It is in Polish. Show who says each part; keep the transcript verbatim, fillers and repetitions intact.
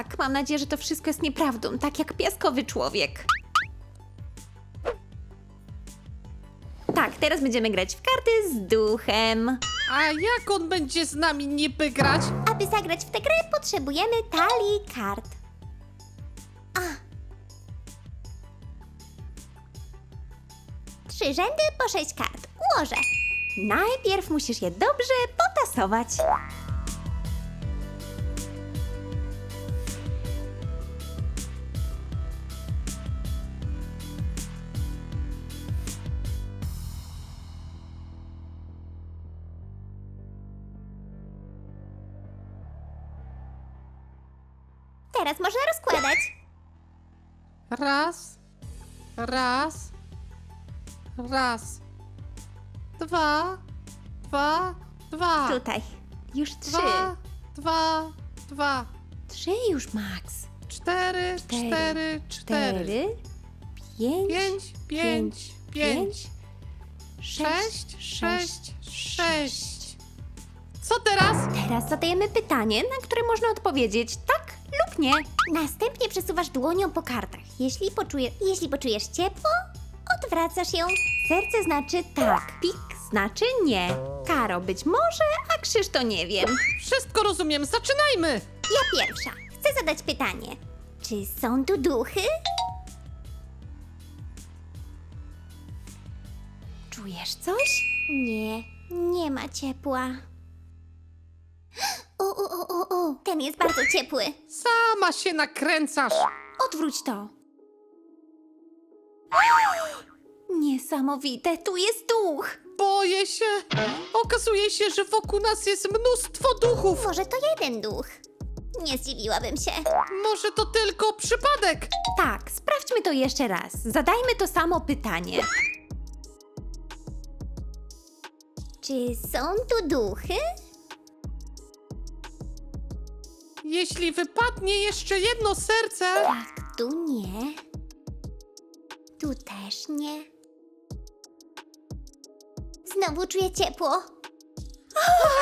Speaker 1: tak, mam nadzieję, że to wszystko jest nieprawdą, tak jak piaskowy człowiek. Tak, teraz będziemy grać w karty z duchem.
Speaker 2: A jak on będzie z nami niby grać?
Speaker 3: Aby zagrać w tę grę, potrzebujemy talii kart. A. Trzy rzędy po sześć kart. Ułożę.
Speaker 1: Najpierw musisz je dobrze potasować.
Speaker 3: Teraz można rozkładać.
Speaker 2: Raz, raz, raz, dwa, dwa, dwa,
Speaker 1: Tutaj. Już trzy.
Speaker 2: dwa, dwa, dwa,
Speaker 1: Trzy już, Max.
Speaker 2: cztery,
Speaker 1: Cztery,
Speaker 2: cztery, cztery,
Speaker 1: Cztery. Pięć.
Speaker 2: pięć, pięć, pięć,
Speaker 1: Sześć.
Speaker 2: sześć, sześć, sześć. Co teraz?
Speaker 1: Teraz zadajemy pytanie, na które można odpowiedzieć tak lub nie.
Speaker 3: Następnie przesuwasz dłonią po kartach. Jeśli, poczuje, jeśli poczujesz ciepło, odwracasz ją.
Speaker 1: Serce znaczy tak, pik znaczy nie. Karo być może, a Krzyż to nie wiem.
Speaker 2: Wszystko rozumiem, zaczynajmy!
Speaker 3: Ja pierwsza. Chcę zadać pytanie. Czy są tu duchy?
Speaker 1: Czujesz coś?
Speaker 3: Nie, nie ma ciepła. O, o, o, o, o, ten jest bardzo ciepły.
Speaker 2: Sama się nakręcasz!
Speaker 1: Odwróć to. Niesamowite, tu jest duch.
Speaker 2: Boję się! Okazuje się, że wokół nas jest mnóstwo duchów!
Speaker 3: Może to jeden duch? Nie zdziwiłabym się.
Speaker 2: Może to tylko przypadek?
Speaker 1: Tak, sprawdźmy to jeszcze raz. Zadajmy to samo pytanie.
Speaker 3: Czy są tu duchy?
Speaker 2: Jeśli wypadnie jeszcze jedno serce...
Speaker 3: Tak, tu nie. Tu też nie. Znowu czuję ciepło.